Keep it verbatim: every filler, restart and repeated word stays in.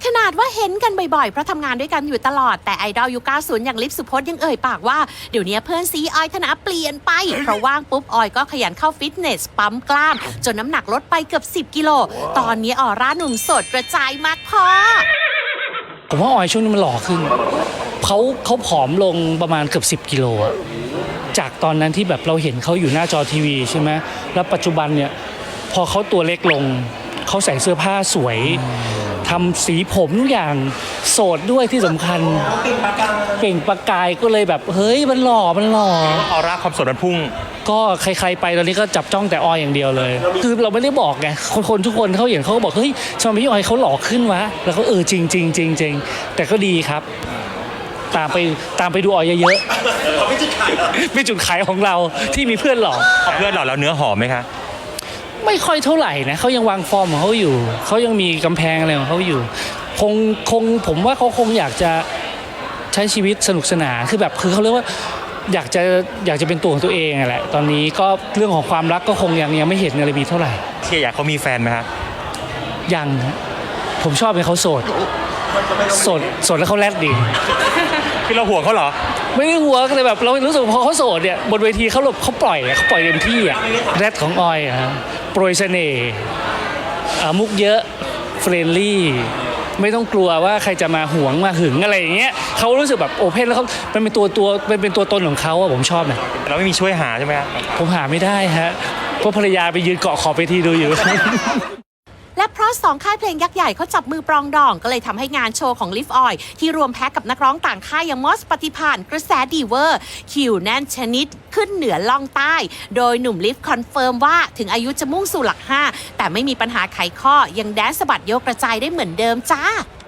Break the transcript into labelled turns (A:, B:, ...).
A: ขนาดว่าเห็นกันบ่อยๆเพราะทำงานด้วยกันอยู่ตลอดแต่ไอดอลยุคเก้าสิบอย่างลิฟสุพจน์ยังเอ่ยปากว่าเดี๋ยวนี้เพื่อนซีออยธนาเปลี่ยนไปเพราะว่างปุ๊บออยก็ขยันเข้าฟิตเนสปั๊มกล้ามจนน้ำหนักลดไปเกือบสิบกิโลตอนนี้ออร่าหนุ่มโสดกระจายมากพอ
B: ผมว่าออยช่วงนี้มันหล่อขึ้นเขาเขาผอมลงประมาณเกือบสิบกิโลอะจากตอนนั้นที่แบบเราเห็นเขาอยู่หน้าจอทีวีใช่ไหมแล้วปัจจุบันเนี่ยพอเขาตัวเล็กลงเขาใส่เสื้อผ้าสวยทำสีผมทุกอย่างโสดด้วยที่สำคัญเปล่งประกายก็เลยแบบเฮ้ยมันหล่อมันหล่อ
C: ออร่าความสดมันพุ่ง
B: ก็ใครๆไปตอนนี้ก็จับจ้องแต่ออยอย่างเดียวเลยคือเราไม่ได้บอกไงคนทุกคนเขาเห็นเขาก็บอกเฮ้ยทำไมพี่ออยเขาหล่อขึ้นวะแล้วเขาเออจริงจริงจริงจริงแต่ก็ดีครับตามไปตามไปดูออยเยอะๆเป็นจุดขายเป็นจุดขายของเราที่มีเพื่อนหล่อ
C: เพื่อนหล่อแล้วเนื้อหอมไหมคะ
B: ไม่ค่อยเท่าไหร่นะเขายังวางฟอร์มของเขาอยู่เขายังมีกำแพงอะไรของเขาอยู่คงคงผมว่าเขาคงอยากจะใช้ชีวิตสนุกสนานคือแบบคือเขาเรียกว่าอยากจะอยากจะเป็นตัวของตัวเองแหละตอนนี้ก็เรื่องของความรักก็คงยังยังไม่เห็นอะไรมีเท่าไหร่
C: เชียร์อยากเขามีแฟนไหมครับ
B: ยังผมชอบให้เขาโสดโสดโสดแล้วเขาแรดดี
C: คือเราห่วงเขาเหรอ
B: ไม่ได้ห่วงเลยแบบเรารู้สึกพอเขาโสดเนี่ยบนเวทีเขาเขาปล่อยเขาปล่อยเต็มที่อะแรดของออยอะโปรยเสน่ห์มุกเยอะเฟรนลี่ไม่ต้องกลัวว่าใครจะมาหวงมาหึงอะไรอย่างเงี้ยเขารู้สึกแบบโอเพนแล้วเขาเป็นตัวตัวเป็นเป็นตัวตนของเขาอะผมชอบนะ
C: เราไม่มีช่วยหาใช่ไหมครับ
B: ผมหาไม่ได้ฮะเพราะภรรยาไปยืนเกาะขอบเวทีดูอยู่
A: และเพราะสองค่ายเพลงยักษ์ใหญ่เขาจับมือปรองดองก็เลยทำให้งานโชว์ของลิฟออยที่รวมแพ็กกับนักร้องต่างค่ายอย่างมอสปฏิภาณกระแสดีเวอร์คิวแน่นชนิดขึ้นเหนือล่องใต้โดยหนุ่มลิฟคอนเฟิร์มว่าถึงอายุจะมุ่งสู่หลักห้าแต่ไม่มีปัญหาไขข้อยังแดนสะบัดโยกกระจายได้เหมือนเดิมจ้า